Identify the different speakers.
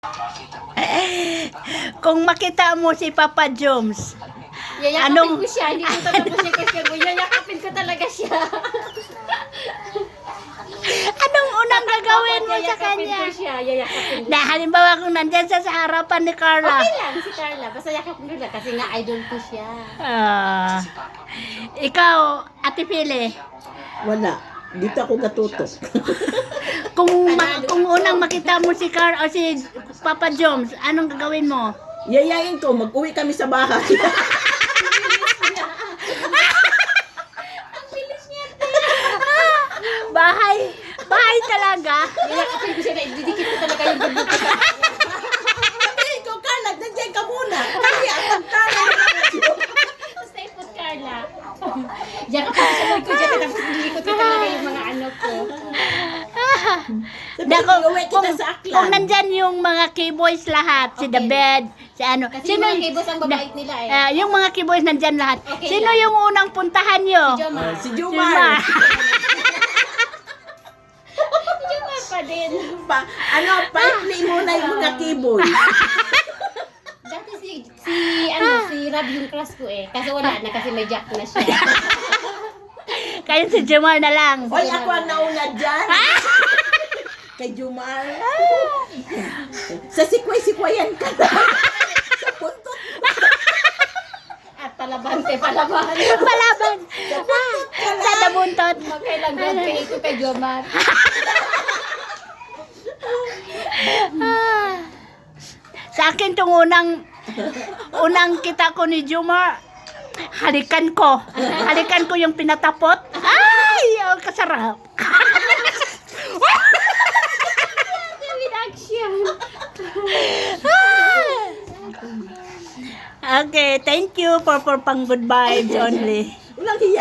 Speaker 1: Kung makita mo si Papa Joms,
Speaker 2: Yayakapin ko siya, hindi ko tatapos yung question ko. Yayakapin ko talaga siya.
Speaker 1: anong unang gagawin mo sa
Speaker 2: Yayakapin
Speaker 1: kanya?
Speaker 2: ko siya, yayakapin ko.
Speaker 1: Na halimbawa kung nandyan sa harapan ni Carla.
Speaker 2: Okay lang, si Carla. Basta yakapin ko lang kasi nga idol ko siya.
Speaker 1: Ikaw, Ate Pili,
Speaker 3: Wala. Dito ako gatutok.
Speaker 1: kung unang makita mo si Carla o si Papa Joms, anong gagawin mo?
Speaker 3: Yayain ko, mag-uwi kami sa bahay.
Speaker 1: Bahay talaga.
Speaker 2: Yayakapin ko siya na ididikit ko talaga yung bundok ko.
Speaker 3: Sabihin ko, Carla, nandiyan ka muna. Kasi atang Carla.
Speaker 2: Basta ipot Carla. Yakapin ko siya ko dyan. Tapos ididikit ko talaga yung mga ano ko.
Speaker 3: Sabihin ko, uwi kita sa aklan.
Speaker 1: Kung nandyan yung mga keyboys lahat, si The
Speaker 2: Okay.
Speaker 1: Bed, si ano.
Speaker 2: Kasi yung mga kibos ang babait nila eh.
Speaker 1: Yung mga keyboys nandyan lahat.
Speaker 2: Okay
Speaker 1: Sino
Speaker 2: lang.
Speaker 1: yung unang puntahan nyo?
Speaker 2: Jomar.
Speaker 3: Si
Speaker 1: Jomar.
Speaker 3: Jumar.
Speaker 2: Jomar pa din.
Speaker 3: Pa-play muna yung mga keyboard.
Speaker 2: Dati si Rab yung crush ko eh. Kasi wala na kasi may jack na siya.
Speaker 1: Kayo si Jomar na lang.
Speaker 3: Hoy, ako ang nauna dyan. Kay Jumar. Sa sikway-sikwayan ka na. Sa puntot.
Speaker 2: At palabante, palaban.
Speaker 1: Palaban. Sa nabuntot.
Speaker 2: Magkailang grade kay ito kay Jomar.
Speaker 1: Sa akin tong unang kita ko ni Jomar, halikan ko yung pinatapot. Ay, ang kasarap.
Speaker 2: With action.
Speaker 1: Okay, thank you for pang good vibes only.
Speaker 3: Walang hiya.